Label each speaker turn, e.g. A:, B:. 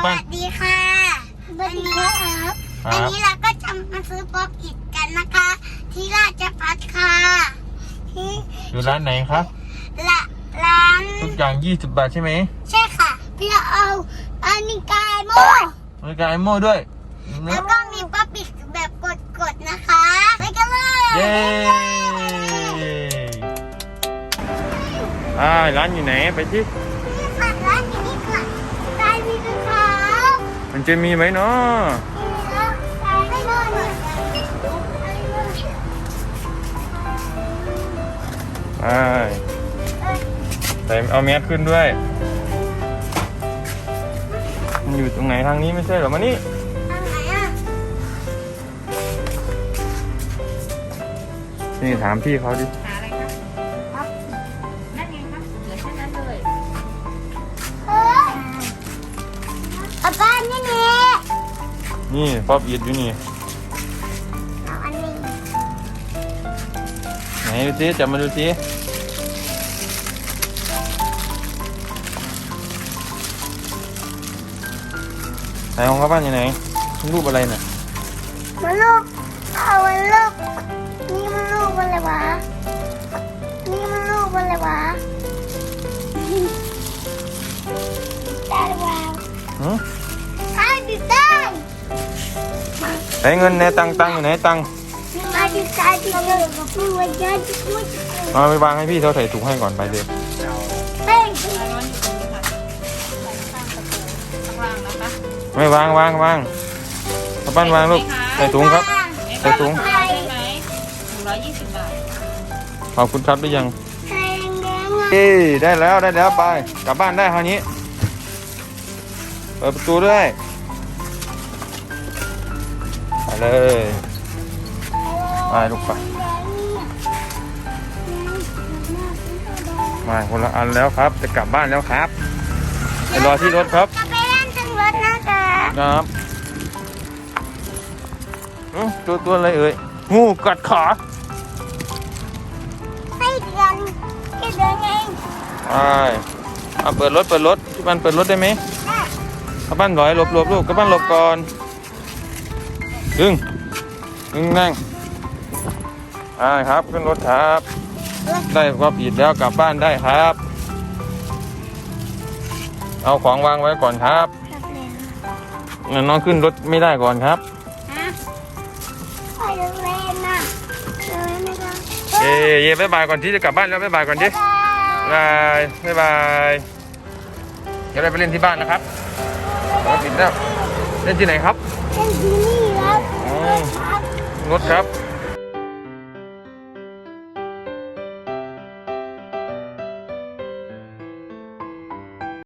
A: บ้าน
B: สวัสดีค่ะวันนี้ครับวันนี้เราก็จะมาซื้อป๊อปอิดกันนะคะ ที่ราชภัฏค่ะที่
A: อยู่ร้านไหนครับ
B: ร้าน
A: ทุกอย่าง20 บาทใช่ไหม
B: ใช่ค่ะพี่เอาอันนี้กายโม
A: บริการไอโม่ด้วย
B: แล้วก็มีป๊อปอิดแบบกดๆนะคะไปกันเลย
A: เย้ร้านอยู่ไหนไปที่
B: นี่ค่ะร้านอยู่นี่ค่ะกายมีด้วยค่ะ
A: มันจะมีไหมเนาะ
B: กายไม่ได้เลย
A: ใส่เอาแมสขึ้นด้วย มันอยู่ตรงไหนทางนี้ไม่ใช่เหรอมานี่
B: ทางไหนอ่ะ
A: นี่ถามพี่เขาดิ
C: หาอะไรครับครับนั่นไงครับเหลือแค่นั้นเลย
B: เฮ้ยเอาบ้านนี่นี่
A: นี่ป๊อปอิดอยู่นี่
B: เอาอันนี้
A: ไหนดูสิจับมาดูสิไหนของเขาบ้านอยู่ไหนรูปอะไรน่ะ
B: มันลูกเอามันลูกนี่มันลูกอะไรวะนี่มันลูกอะไรวะได้หรือเปล่า
A: หือ
B: ได้ดิได้
A: ไหนเงินในตังอยู่ไหนตัง
B: ได้ดิได้ดิเลยไม่ว่าจะไม่
A: เอาไปวางให้พี่เขาใส่ถุงให้ก่อนไปเลย
B: เป้ง
C: ร้อนอยู่ตรงนี้ค่ะใส่ข้างประตูข้างล่างนะคะ
A: ไม่วางเอาปั้นวางลูกใส่ถุงครับ ใส่ถุง
C: ใช่ไหม120 บาท
A: ขอบคุณครับได้ยัง
B: แดงแดงอ่ะ
A: เอ้ยได้แล้วไปกลับบ้านได้คราวนี้เปิดประตูด้วยไปเลยไปลูกไปมาคนละอันแล้วครับจะกลับบ้านแล้วครับไปรอที่รถครับ
B: จะไปเล่นถึงรถนะคะ
A: ครับตัวอะไรเอ่ยงูกัดขา
B: ให้เดือนแค่เดือนเอง
A: ไปเอาเปิดรถพี่ปันเปิดรถได้ไหม
B: ได้
A: กระปั้นหลอยหลบลูกกระปั้นหลบก่อนดึงนั่งครับขึ้นรถครับได้ก็ปิดแล้วกลับบ้านได้ครับ เอาของวางไว้ก่อนครับน้องขึ้นรถไม่ได้ก่อนครับ
B: ฮะไปเล่นนะเล่นนะคะ
A: เย่บ๊ายบายก่อนที่จะกลับบ้านแล้วบ๊ายบายก่อนดิบ๊ายบายเดี๋ยวเราไปเล่นที่บ้านนะครับรถปิดแล้วเล่นที่ไหนครับ
B: เล่นที่นี่ครับ
A: รถครับ